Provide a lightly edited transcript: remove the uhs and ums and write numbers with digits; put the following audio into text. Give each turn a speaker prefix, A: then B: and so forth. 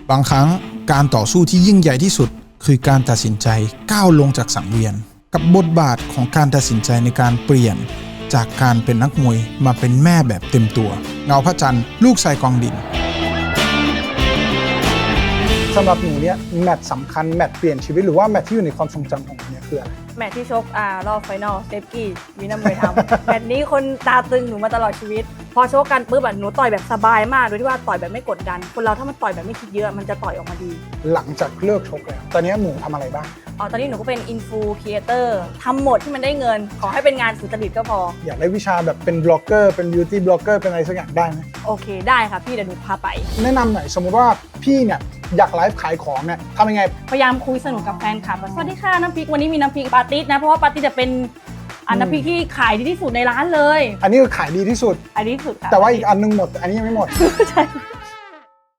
A: บางครั้งการต่อสู้ที่ยิ่งใหญ่ที่สุดคือการตัดสินใจก้าวลงจากสังเวียนกับบทบาทของการตัดสินใจในการเปลี่ยนจากการเป็นนักมวยมาเป็นแม่แบบเต็มตัวเงาพระจันทร์ลูกชายกองดิน
B: สำหรับหนูเนี่ยแมตช์สำคัญแมตช์เปลี่ยนชีวิตหรือว่าแมตช์ที่อยู่ในความทรงจำของหนูเนี่ยคืออะไร
C: แมตช์ที่ชกรอบไฟนอลเซฟกี้มีน้ำมวยทำ แมตช์นี้คนตาตึงหนูมาตลอดชีวิต พอชกกันปุ๊บหนูต่อยแบบสบายมากโดยที่ว่าต่อยแบบไม่กดดันคนเราถ้ามันต่อยแบบไม่คิดเยอะมันจะต่อยออกมาดี
B: หลังจากเลิกชกแล้วตอนนี้หนูทำอะไรบ้าง
C: ตอนนี้หนูก็เป็นอินฟูครีเอเตอร์ทำหมดที่มันได้เงิน ขอให้เป็นงานสุจริตก็พอ
B: อยากได้วิชาแบบเป็นบล็อกเกอร์เป็นบิวตี้บล็อกเกอร์เป็นอะไรสักอย่างได้ไหม
C: โอเคได้ค่ะพี่เดี๋ยวหนูพาไป
B: แนะนำหน่อยสมมุติว่าพี่เนี่ยอยากไลฟ์ขายของเนี่ยทำยังไง
C: พยายามคุยสนุกกับแฟนคลับสวัสดีค่ะน้ำพริกวันนี้มีน้ำพริกปาติสนะเพราะว่าปาติสจะเป็นน้ำพริกที่ขายดีที่สุดในร้านเลย
B: อันนี้คือขายดีที่สุด
C: อันนี้คือค่ะ
B: แต่ว่าอีกอันนึงหมดแต่อันนี้ยังไม่หมด
C: ใช่